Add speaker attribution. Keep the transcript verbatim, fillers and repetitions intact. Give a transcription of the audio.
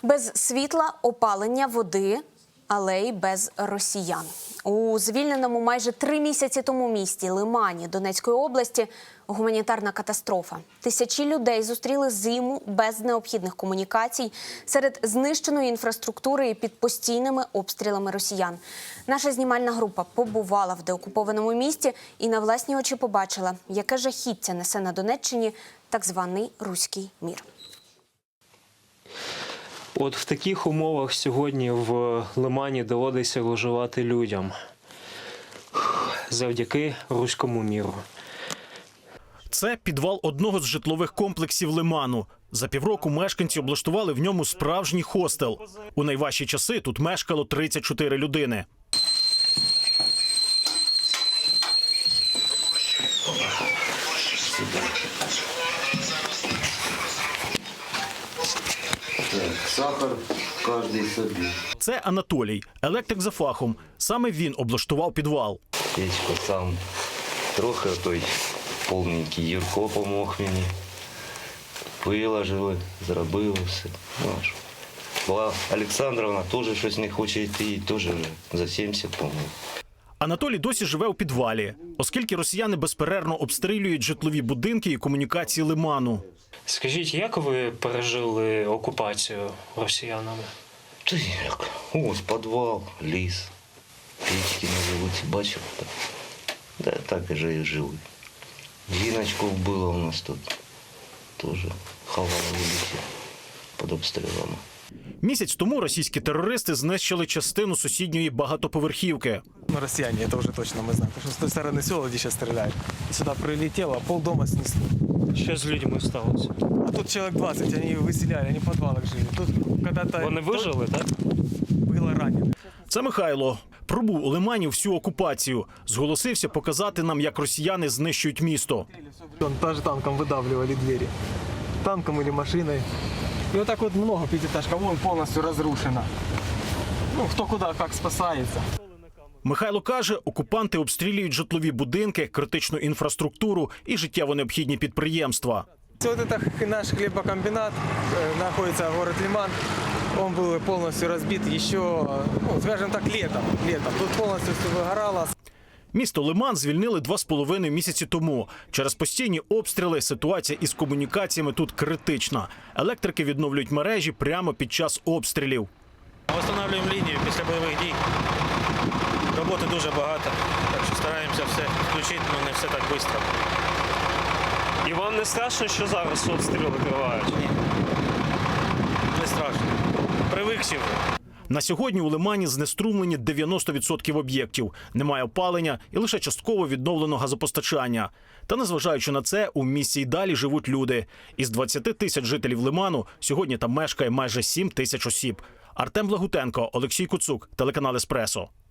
Speaker 1: Без світла, опалення, води, але й без росіян. У звільненому майже три місяці тому місті Лимані Донецької області гуманітарна катастрофа. Тисячі людей зустріли зиму без необхідних комунікацій, серед знищеної інфраструктури і під постійними обстрілами росіян. Наша знімальна група побувала в деокупованому місті і на власні очі побачила, яке жахіття несе на Донеччині так званий руський мір.
Speaker 2: От в таких умовах сьогодні в Лимані доводиться виживати людям завдяки руському міру.
Speaker 3: Це підвал одного з житлових комплексів Лиману. За півроку мешканці облаштували в ньому справжній хостел. У найважчі часи тут мешкало тридцять чотири людини.
Speaker 4: Сахар кожний собі.
Speaker 3: Це Анатолій, електрик за фахом. Саме він облаштував підвал.
Speaker 4: Печку сам трохи той повненький Юрко помог мені. Виложили, зробили все. Ну, була Олександровна, теж щось не хоче йти, теж за сімдесят помог.
Speaker 3: Анатолій досі живе у підвалі, оскільки росіяни безперервно обстрілюють житлові будинки і комунікації Лиману.
Speaker 2: Скажіть, як ви пережили окупацію росіянами?
Speaker 4: Та як? Ось підвал, ліс, печки на вулиці, бачив? Так, да, так і же і жили. Жіночку вбила у нас тут, теж ховала в лісі під обстрілами.
Speaker 3: Місяць тому російські терористи знищили частину сусідньої багатоповерхівки.
Speaker 5: Ну, россияне, это уже точно мы знаем. Потому что с той стороны села, где сейчас стреляют. Сюда прилетело, полдома снесло.
Speaker 2: Що з людьми сталося?
Speaker 5: А тут человек двадцать, они выселяли, они в подвалах жили. Тут когда-то...
Speaker 2: Вони вижили, так?
Speaker 5: Было ранено.
Speaker 3: Це Михайло. Пробув у Лимані всю окупацію. Зголосився показати нам, як росіяни знищують місто.
Speaker 5: Он даже танком выдавливали двери. Танком или машиной. И вот так вот много пятиэтажка, вон полностью разрушена. Ну, кто куда как спасается.
Speaker 3: Михайло каже, окупанти обстрілюють житлові будинки, критичну інфраструктуру і життєво необхідні підприємства.
Speaker 5: Вот это наш хлебокомбинат, э, находится город Лиман. Он был полностью разбит еще, ну, скажем так, летом. летом. Тут полностью все выгорало.
Speaker 3: Місто Лиман звільнили два з половиною місяці тому. Через постійні обстріли ситуація із комунікаціями тут критична. Електрики відновлюють мережі прямо під час обстрілів.
Speaker 6: Встановлюємо лінію після бойових дій. Роботи дуже багато, так що стараємося все включити, але не все так швидко.
Speaker 2: І вам не страшно, що зараз обстріли тривають?
Speaker 6: Ні, не страшно. Привикші вже.
Speaker 3: На сьогодні у Лимані знеструмлені дев'яносто відсотків об'єктів. Немає опалення і лише частково відновлено газопостачання. Та незважаючи на це, у місті й далі живуть люди. Із двадцяти тисяч жителів Лиману сьогодні там мешкає майже сім тисяч осіб. Артем Благутенко, Олексій Куцук, телеканал «Еспресо».